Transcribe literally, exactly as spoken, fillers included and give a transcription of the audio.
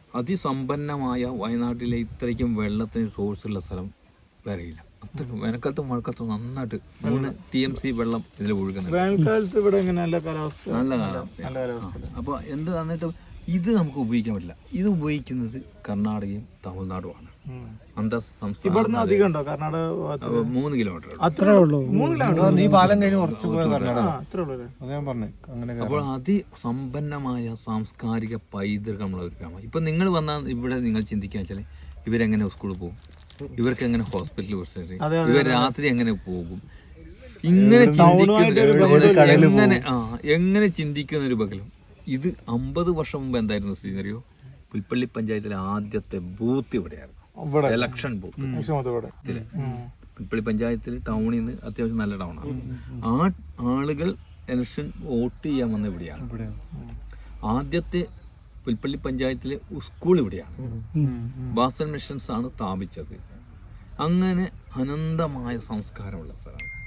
അതിസമ്പന്നമായ വയനാട്ടിലെ ഇത്രയ്ക്കും വെള്ളത്തിന് സോഴ്സുള്ള സ്ഥലം വേറെയില്ല. അത്രയ്ക്കും വേനൽക്കാലത്തും മഴക്കാലത്തും നന്നായിട്ട് മൂന്ന് ടി എം സി വെള്ളം ഇതിൽ ഒഴുകുന്നത്. വേനൽക്കാലത്ത് ഇവിടെ നല്ല കാലാവസ്ഥ, നല്ല കാലാവസ്ഥ. അപ്പോൾ എന്ത് എന്നിട്ട് ഇത് നമുക്ക് ഉപയോഗിക്കാൻ പറ്റില്ല. ഇത് ഉപയോഗിക്കുന്നത് കർണാടകയും തമിഴ്നാടുമാണ്. അന്തർ സംസ്ഥാന മൂന്ന് കിലോമീറ്റർ അത്രേ ഉള്ളൂ. അപ്പോൾ അതിസമ്പന്നമായ സാംസ്കാരിക പൈതൃകമുള്ള ഒരു ഗ്രാമം. ഇപ്പം നിങ്ങൾ വന്നാൽ ഇവിടെ നിങ്ങൾ ചിന്തിക്കുക വെച്ചാൽ ഇവരെങ്ങനെ സ്കൂളിൽ പോകും, ഇവർക്ക് എങ്ങനെ ഹോസ്പിറ്റലിൽ വിളിച്ചത്, ഇവർ രാത്രി എങ്ങനെ പോകും, ഇങ്ങനെ ചിന്തിക്കുന്ന എങ്ങനെ ആ എങ്ങനെ ചിന്തിക്കുന്ന ഒരു ബഹളം. ഇത് അമ്പത് വർഷം മുമ്പ് എന്തായിരുന്നു സ്ഥിതി അറിയോ? പുൽപ്പള്ളി പഞ്ചായത്തിലെ ആദ്യത്തെ ബൂത്ത് ഇവിടെയായിരുന്നു, ഇലക്ഷൻ ബൂത്ത്. പുൽപ്പള്ളി പഞ്ചായത്തിൽ ടൗണിൽ നിന്ന് അത്യാവശ്യം നല്ല ടൗണാണ്. ആ ആളുകൾ ഇലക്ഷൻ വോട്ട് ചെയ്യാൻ വന്ന ഇവിടെയാണ്. ആദ്യത്തെ പുൽപ്പള്ളി പഞ്ചായത്തിലെ സ്കൂൾ ഇവിടെയാണ്. ബാസൽ മിഷൻസ് ആണ് സ്ഥാപിച്ചത്. അങ്ങനെ അനന്തമായ സംസ്കാരമുള്ള സ്ഥലമാണ്.